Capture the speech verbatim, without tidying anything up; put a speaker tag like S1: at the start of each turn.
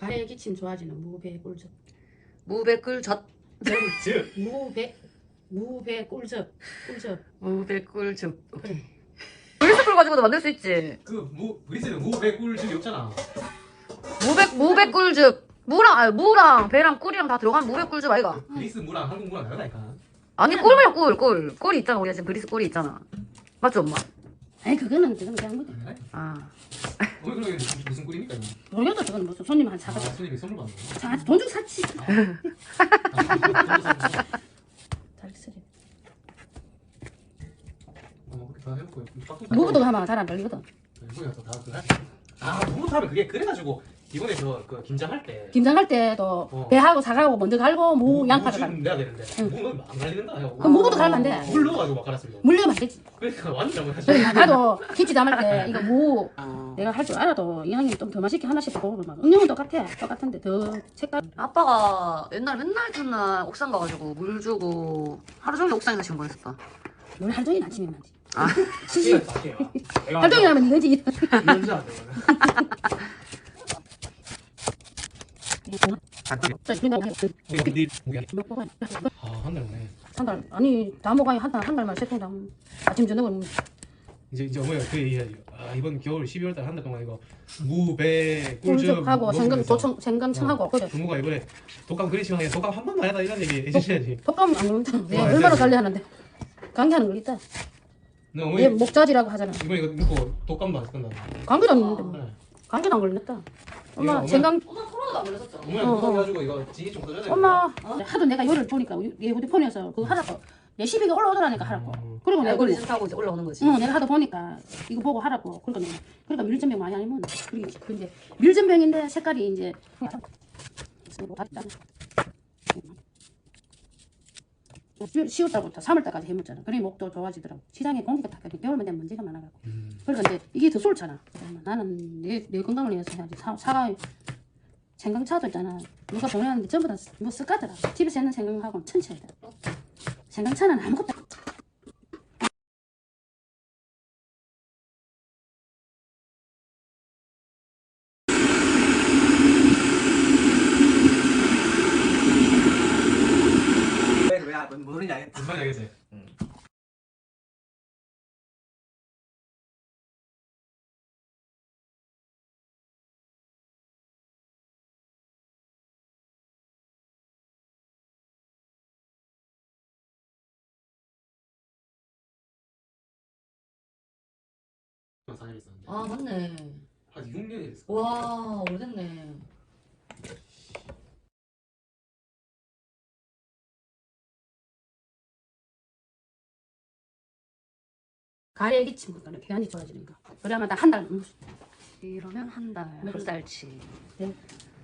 S1: 가래의 기침 좋아지는 무배 꿀즙.
S2: 무배 꿀젓.
S3: 즙.
S1: 무배 무배 꿀즙. 꿀즙.
S2: 무배 꿀즙. 오케이. 브리스쿨 가지고도 만들 수 있지.
S3: 그무 브리스는 무배 꿀즙이 없잖아.
S2: 무배 무배 꿀즙. 무랑 아니 무랑 배랑 꿀이랑 다 들어간 무배 꿀즙 아이가.
S3: 브리스 무랑 한국 무랑 다르다니까.
S2: 아니 꿀이야 꿀 꿀. 꿀이 있잖아. 우리가 지금 브리스 꿀이 있잖아. 맞지 엄마?
S1: 아니 그거는 그건 그냥 뭐
S2: 아.
S3: 오늘 그러면 무슨, 무슨 꿀입니까? 이거?
S1: 모르겠어. 그건 무슨 손님 한
S3: 아,
S1: 사가
S3: 손님이 선물 받는 거.
S1: 사 돈 주고 샀지. 달쓰리.
S3: 어, 그렇게 다 해놓고
S1: 무부도 하면 잘 안 걸리거든.
S3: 이거야 또다 그래. 아, 무부터 하면 그게 그래가지고 이번에 저그 김장할 때
S1: 김장할 때도
S3: 어.
S1: 배하고 사과하고 먼저 갈고 무 양파를 갈고.
S3: 무 내야 되는데
S1: 응.
S3: 무는 안 갈리는다 요.
S1: 그럼 무부도 갈면 안 돼.
S3: 물 넣어가지고 막 갈았습니다.
S1: 물려면 안 되지.
S3: 그러니까 완전 잘못하지.
S1: 그래, 나도 김치 담을 때 이거 무 내가 할 줄 알아도 이왕이면 좀 더 맛있게 하나씩 먹으면 막 응용은 똑같아. 똑같은데 더 색깔.
S2: 아빠가 옛날 맨날 첫날 옥상 가가지고 물 주고 하루 종일 옥상에서 신고했었다.
S1: 넌 하루 종일 아침에 만지.
S2: 아.
S1: 시시. 하루 종일 하면 이거지.
S3: 이런지 안 돼. 아, 한 달 오네.
S1: 한 달. 아니 다 먹어야 한 달, 한 달만 세통 다 먹- 아침 저녁은
S3: 이제 이제 어머니가 그 얘기해야지. 아, 이번 겨울 십이월 달 한 달 동안 이거 무배 꿀즙
S1: 꿀즙하고 생강
S3: 먹으면서
S1: 도청 생강청하고 그래.
S3: 부모가 이번에 독감 그리시방에 독감 한 번만 해다 이런 얘기 해주셔야지.
S1: 독감 안 걸린다. 내가
S3: 어,
S1: 얼마나
S3: 알지.
S1: 관리 하는데 감기하는 거 있다.
S3: 너
S1: 얘
S3: 어머니
S1: 목자지라고 하잖아.
S3: 이번에 이거 먹고 독감도 안 끝나.
S1: 감기도 안 걸리는데 뭐.
S3: 네.
S1: 감기도 안 걸렸다. 엄마
S3: 어머니-
S1: 생강
S2: 엄마 코로나도 안 걸렸었죠?
S3: 어머니
S1: 어,
S3: 독감
S1: 어.
S3: 해가지고 이거 지기 좀 꺼져야 돼.
S1: 엄마 하도 내가 요를 보니까 얘 휴대폰에서 그거 하라고 레시피가 올라오더라니까 하라고.
S3: 음.
S1: 그리고 내가
S2: 알고리즘 타고 이제 올라오는 거지.
S1: 응, 내가 하도 보니까 이거 보고 하라고. 그러니까 내가 그러니까 밀전병 많이 아니면 그게 근데 밀전병인데 색깔이 이제 시월 달부터 삼월 달까지 해먹잖아. 그래 목도 좋아지더라고. 시장에 공기가 탁 겨울만 되면 먼지가 많아가지고.
S3: 음.
S1: 그러니까 이제 이게 더 좋잖아. 나는 내, 내 건강을 위해서 해야지. 사, 사과 생강차도 있잖아. 누가 보내놨는데 전부 다 뭐 쓱가더라. 집에서 했는 생강하고는 천차이다. 생강차는 아무것도 안-
S4: 왜 모르냐 알겠다.
S3: 무슨 말인지 알겠지? 사 년 있었는데
S2: 아 맞네.
S3: 한 육 년이 됐어.
S2: 와 오래됐네.
S1: 가래의 기침 그러니까 배안이 좋아지니까. 그러면 한 달.
S2: 이러면 한 달, 한 달치.
S1: 네.